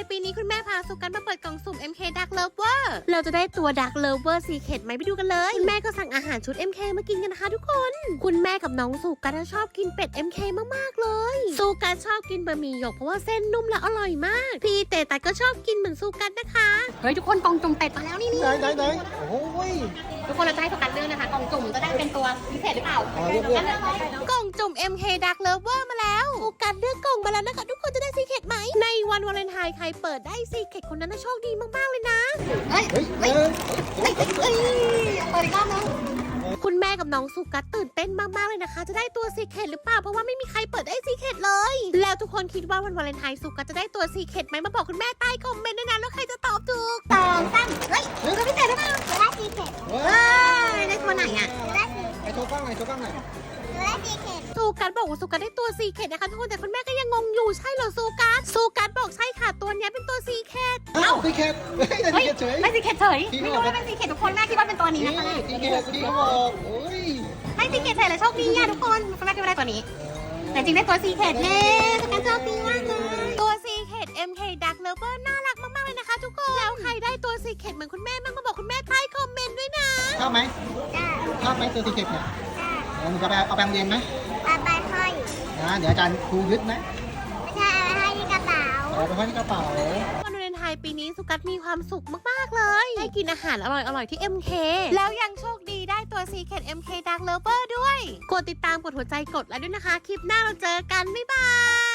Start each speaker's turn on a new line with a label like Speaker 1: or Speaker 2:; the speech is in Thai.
Speaker 1: ปีนี้คุณแม่พาสุกันมาเปิดกล่องสุ่ม MK Dark Lover เราจะได้ตัว Dark Lover Secret ไหมไปดูกันเลยคุณแม่ก็สั่งอาหารชุด MK มากินกันนะคะทุกคนคุณแม่กับน้องสุกันชอบกินเป็ด MK มากๆเลยสุกันชอบกินบะหมี่หยกเพราะว่าเส้นนุ่มและอร่อยมากพี่เต๋ก็ชอบกินเหมือนสุกันนะคะเฮ้ยทุกคนกล่องจุ่มเป็ดมาแล้วนี่
Speaker 2: ไหนโอ้ย
Speaker 1: ทุกคนเราจะให้สุกันเลือกนะคะกล่องจุ่มจะได้เป็นตัวพิเศษหรือเปล่ากล่องจุ่ม MK Dark Lover มาแล้วสุกันเลือกกล่องมาแล้วนะคะทุกคนจะได้ซีเคร็ตไหมในวันวาเลนไทน์ใครเปิดได้ซีเคร็ตคนนั้นโชคดีมากๆเลยนะเปิดอีกรอบนึงคุณแม่กับน้องสุกัสตื่นเต้นมากๆเลยนะคะจะได้ตัวซีเคร็ตหรือเปล่าเพราะว่าไม่มีใครเปิดได้ซีเคร็ตเลยแล้วทุกคนคิดว่าวันวาเลนไทน์สุกัสจะได้ตัวซีเคร็ตไหมมาบอกคุณแม่ใต้คอมเมนต์ด้วยนะแล้วใครจะตอบถูก2 3ตัวพิเศษหรือเปล่า
Speaker 3: จะได้ซีเคร็ต
Speaker 1: ได้ตัวไหนอ่ะ
Speaker 3: จะได้ซี
Speaker 2: ไอโชว์กล้องหน่อยจะ
Speaker 3: ได้ซีเคร็ต
Speaker 1: สุกัสบอกว่าสุกัสได้ตัวซีเคร็ตนะคะทุกคนแต่คุณแม่ก็ยังงงอยู่ใช่เหรอสุกัสบอกใช่ค่ะตัวนี้เป็นตัวซีเคร็ต
Speaker 2: ซีเคร็ตไม่ซีเคร็ตเฉย
Speaker 1: ไม่ซีเคร็ตเฉยไม่รู้ว่าเป็นซีเคร็ตทุกคนแม่คิดว่าเป็นตัวนี้นะคะ
Speaker 2: ซีเคร็ตที่เขาบอก
Speaker 1: ไม่ซีเคร็ตเฉยเลยโชคดีอ่ะทุกคนคุณแม่คิดว่าได้ตัวนี้แต่จริงได้ตัวซีเคร็ตเน่สุกัสโชคดีมากเลยตัวซีเคร็ต MK Dark Lover น่ารักมากๆเลยนะคะทุกคนแล้วใครได้ตัวซีเคร็ตเหมือนคุณแม่บ้างมาบอกคุณแม่ใต้คอมเมนต์ด้วยนะ
Speaker 2: ชอบไหม
Speaker 3: จ้า
Speaker 2: ชอบไหมตัวซีเคร็ตเนี่ย
Speaker 3: จ้า
Speaker 2: หนูจะไปเอาแปรงเรียนไหม
Speaker 3: ไปห้อย
Speaker 2: เดี๋ยวอาจารย์ครูยึดไหม
Speaker 3: ไม่ใช่เอาไปห้อยที่กระเป๋า
Speaker 2: เอาไปห้อยที่กระเป๋า
Speaker 1: วันวาเลนไทน์ปีนี้สุกัสมีความสุขมากๆเลยได้กินอาหารอร่อยๆที่ MK แล้วยังโชคดีได้ตัว Secret MK Dark Lover ด้วยกดติดตามกดหัวใจกดไลค์ด้วยนะคะคลิปหน้าเราเจอกันบ๊ายบาย